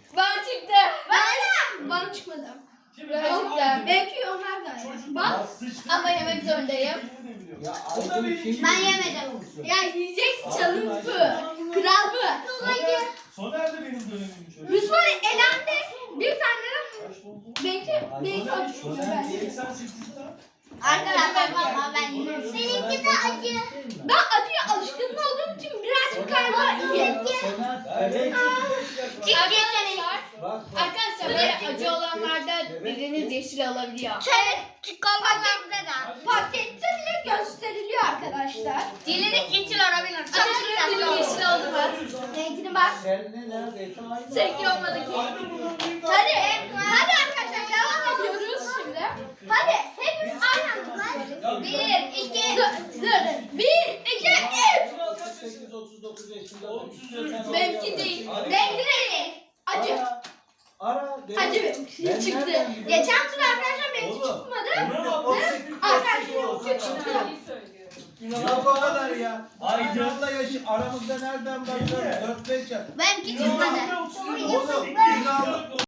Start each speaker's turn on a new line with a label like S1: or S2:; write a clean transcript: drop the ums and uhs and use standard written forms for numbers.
S1: Bana çıktı.
S2: Bana çıkmadı. Belki onlar da. Bak.
S1: Ama yemek zorundayım.
S3: Ya Aydın kim?
S2: Ben yemedim. Ya yiyeceksin çalın bu. Kral bu.
S4: Soner de benim dönemim şöyle.
S2: Yusuf elendi. Bir tane belki
S3: Soner
S2: açmış.
S3: değil.
S4: 88'de.
S2: Arkadaşlar ama ben yiyorum. Benimki de acı. Ben acıya alışkın olduğum için birazcık galiba iyi.
S3: Soner. Evet.
S1: Arkadaşlar böyle acı olanlarda biriniz yeşil alabiliyor.
S2: Pakette bile gösteriliyor arkadaşlar.
S1: Dilini yeşil alabilir. Açın dilim yeşil oldu mu?
S2: Renkine bak.
S3: Seninle neredeyse aynı.
S1: Seninki olmadı ki.
S2: Hadi arkadaşlar devam ediyoruz şimdi. Hadi hepimiz aynı anda.
S1: 1, 2,
S2: Dur. 1, 2, 3.
S3: 38, 39 yaşında.
S1: Benimki değil.
S2: Renkli renk. Acı.
S3: Ara.
S2: Acı benimki çıktı. Geçen tur arkadaşlar benimki çıkmadı. Arkadaşlar benimki çıktı.
S3: Yok o kadar ya.
S4: Aydın.
S3: Aydın'la yaşı aramızda nereden bakıyorsun? 4-5 yaş.
S2: Benimki çıkmadı.
S3: Oğlum,